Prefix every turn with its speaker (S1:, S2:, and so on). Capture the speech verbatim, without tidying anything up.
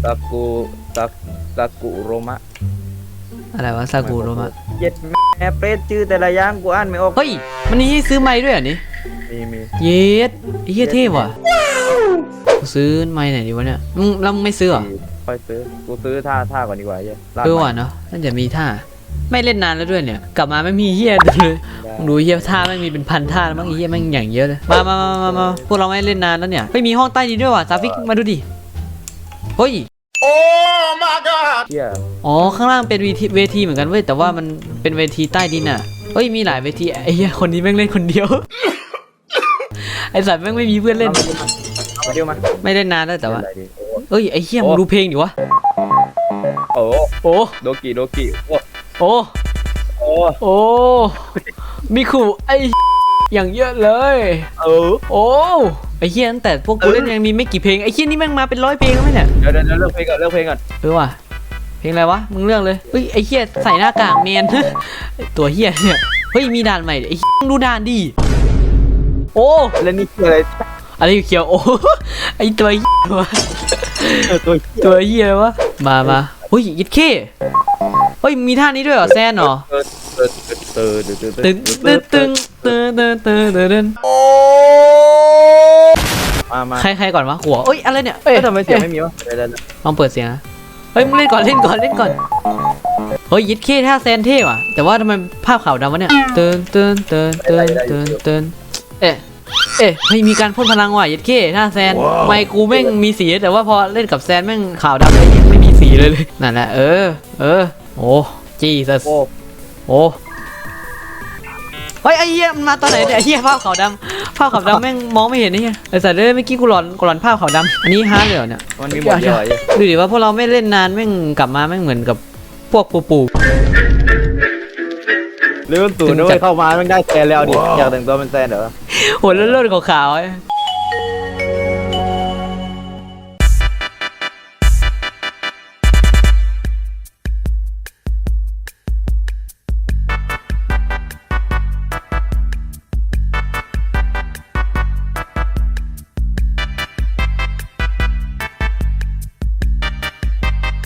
S1: ซากุซาซากุโรมะ
S2: อะไรวะซากุโรมะ
S1: เย็ดแม่เปรตชื่อแต่ละอย่างกูอ่านไม่ออก
S2: เฮ้ยมันนี่ซื้อไม้ด้วยเหรอนี่
S1: มีมี
S2: เย็ดไอ้เหี้ยเท่ว่ะกูซื้อไม้ไหนดีวะเนี่ยมึงแล้วมึงไม่ซื้อเหรอ
S1: ค่อยซื้อกูซื้อท่าท่าก่อนดีกว่าเย้
S2: เออว่ะเนาะน่าจะมีท่าไม่เล่นนานแล้วด้วยเนี่ยกลับมาไม่มีเหี้ยเลยมึงดูเหี้ยท่าไม่มีเป็นพันท่าแล้วมั้งเหี้ยแม่งอย่างเยอะเลยมามามามามาพวกเราไม่เล่นนานแล้วเนี่ยไม่มีห้องใต้ดินด้วยว่ะซาฟิกมาดูดิเฮ้ย
S1: โอ้ my god
S2: อ๋อข้างล่างเป็นเวทีเวทีเหมือนกันเว้ยแต่ว่ามันเป็นเวทีใต้ดินอ่ะเฮ้ยมีหลายเวทีไอ้เหี้ยคนนี้แม่งเล่นคนเดียวไอ้สัตว์แม่งไม่มีเพื่อนเล่น
S1: มาเดียวมา
S2: ไม่เล่นนานแล้วแต่ว่าเอ้ยไอ้เหี้ยมึงดูเพลงดิวะ
S1: โอ้
S2: โอ้
S1: โดกิโดกิโอ้
S2: โอ้
S1: โอ้
S2: โอ้มีขู่ไอ้อย่างเยอะเลย
S1: เออ
S2: โอ้ไอ้เหี้ยตั้งแต่พวกกูเล่นยังมีไม่กี่เพลงไอ้เหี้ยนี่แม่งมาเป็นร้อยเพลงแล้วไหมเนี่ย
S1: เดี๋ยวเดี๋ยวเลือกเพลงก่อนเลือกเพลงก่อน
S2: เออว่ะเพลงอะไรวะมึงเลือกเลยเฮ้ยไอ้เหี้ยใส่หน้ากากเนียนตัวเหี้ยเนี่ยเฮ้ยมีด่านใหม่ไอ้ดูด่านดิโอ้
S1: แล้วนี่คืออะไร
S2: อะไรเขียวโอ้ไอ้ตัวเหี้ยวะ
S1: ตัว
S2: ตัวเหี้ยวะมามาเฮ้ยยิดเข้เฮ้ยมีท่านี้ด้วยเหรอแซนเหรอตึงตึงตึงตึงตึงตึงตึงตึงโอ้
S1: มามา
S2: ใครใครก่อนวะหัวเอ้ยอะไรเนี่ยเอ้ย
S1: ทำไมเสียงไม่มีวะ
S2: ลองเปิดเสียงนะเฮ้ยมึงเล่นก่อนเล่นก่อนเล่นก่อนเฮ้ยยิดเข้ท่าแซนเท่ว่ะแต่ว่าทำไมภาพขาวดำวะเนี่ยเตือนเตือนเตือนเตือนเตือนเตือนเอ๊ะเอ๊ะไม่มีการพ่นพลังว่ะยิดเข้ท่าแซนไม่กูแม่งมีสีแต่ว่าพอเล่นกับแซนแม่งขาวดำเลยไม่มีสีเลยเลยนั่นแหละเออเออโอ้จีซัสโอ้เฮ้ยไอ้เหี้ยมันมาตอนไหนเนี่ยไอ้เหี้ยภาพขาวดำภาพขาวดำแม่งมองไม่เห็นนี่ไงไอ้สัตว์เลยเมื่อกี้กูหลอนกูหลอนภาพขาวดำอันนี้ฮาร์ดเลยเนี่ย
S1: มันมีหมดเลย
S2: ดูดิว่าพวกเราไม่เล่นนานแม่งกลับมาแม่งเหมือนกับพวกปูปู
S1: เรื่องตู่นู้นเข้ามาแม่งได้แซนแล้วดิอยากแต่งตัวเป็นแซนเหรอ
S2: โหเลื่อนๆขาวๆ